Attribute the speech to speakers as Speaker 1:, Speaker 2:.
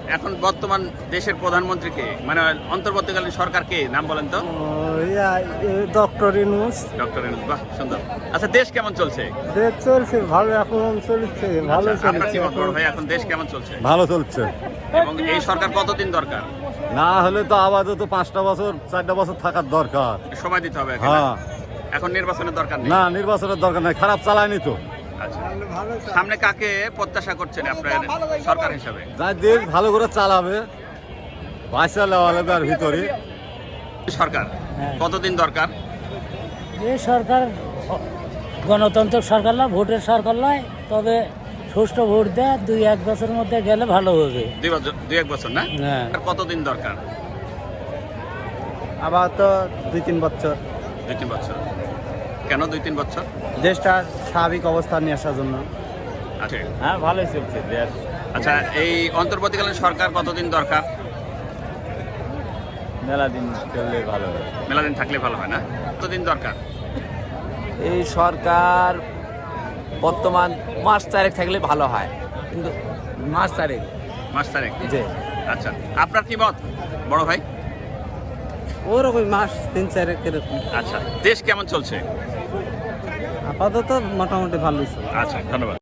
Speaker 1: এখন বর্তমান দেশের প্রধানমন্ত্রী কে, মানে অন্তর্বর্তীকালীন সরকার কে, নাম বলেন তো?
Speaker 2: ডক্টর ইউনূস।
Speaker 1: ডক্টর ইউনূস, বাহ সুন্দর। আচ্ছা, দেশ কেমন চলছে?
Speaker 2: দেশ চলছে ভালো, এখন চলছে ভালো
Speaker 1: আচ্ছা, আপনার কি
Speaker 2: চলছে।
Speaker 1: মত বড় ভাই, এখন দেশ কেমন চলছে?
Speaker 3: ভালো চলছে।
Speaker 1: এবং এই সরকার কতদিন দরকার?
Speaker 3: না হলে তো আপাতত 5টা বছর 4টা বছর থাকার দরকার।
Speaker 1: সময় দিতে হবে এখন।
Speaker 3: হ্যাঁ,
Speaker 1: এখন নির্বাচনের দরকার নেই।
Speaker 3: না নির্বাচনের দরকার নাই, খারাপ চালায়নি তো।
Speaker 1: আচ্ছা, সামনে কাকে প্রত্যাশা করছেন আপনার সরকার হিসাবে?
Speaker 3: যাই দেশ ভালো করে চালাবে, পয়সা লেওয়ালেবার ভিতরে।
Speaker 1: সরকার কতদিন দরকার?
Speaker 4: এই সরকার গণতন্ত্র সরকার নয়, ভোটের সরকার নয়, তবে সুষ্ঠু ভোট দেয় 2-1 বছরের মধ্যে গেলে ভালো হবে।
Speaker 1: 2-1 বছর না?
Speaker 4: হ্যাঁ।
Speaker 1: আর কতদিন দরকার?
Speaker 2: আবার তো 2-3 বছর
Speaker 1: 2-3 বছর। কেন 2-3 বছর?
Speaker 2: দেশটা স্বাভাবিক অবস্থা নিয়ে আসার জন্য।
Speaker 1: আচ্ছা
Speaker 2: হ্যাঁ, ভালোই চলছে দেশ।
Speaker 1: আচ্ছা, এই অন্তর্বর্তীকালীন সরকার কতদিন দরকার?
Speaker 2: মেলা দিন চললে ভালো হয়।
Speaker 1: মেলা দিন থাকলে ভালো হয় না? কতদিন দরকার?
Speaker 5: এই সরকার বর্তমান মাস 4 থাকলে ভালো হয়, কিন্তু মাস 4
Speaker 1: মাস তারিখ?
Speaker 5: যে
Speaker 1: আচ্ছা, আপনার কি মত বড় ভাই?
Speaker 2: ওরকম মাস 3-4 এরকম।
Speaker 1: আচ্ছা, দেশ কেমন চলছে?
Speaker 2: আপাতত মোটামুটি ভালোই চলছে।
Speaker 1: আচ্ছা, ধন্যবাদ।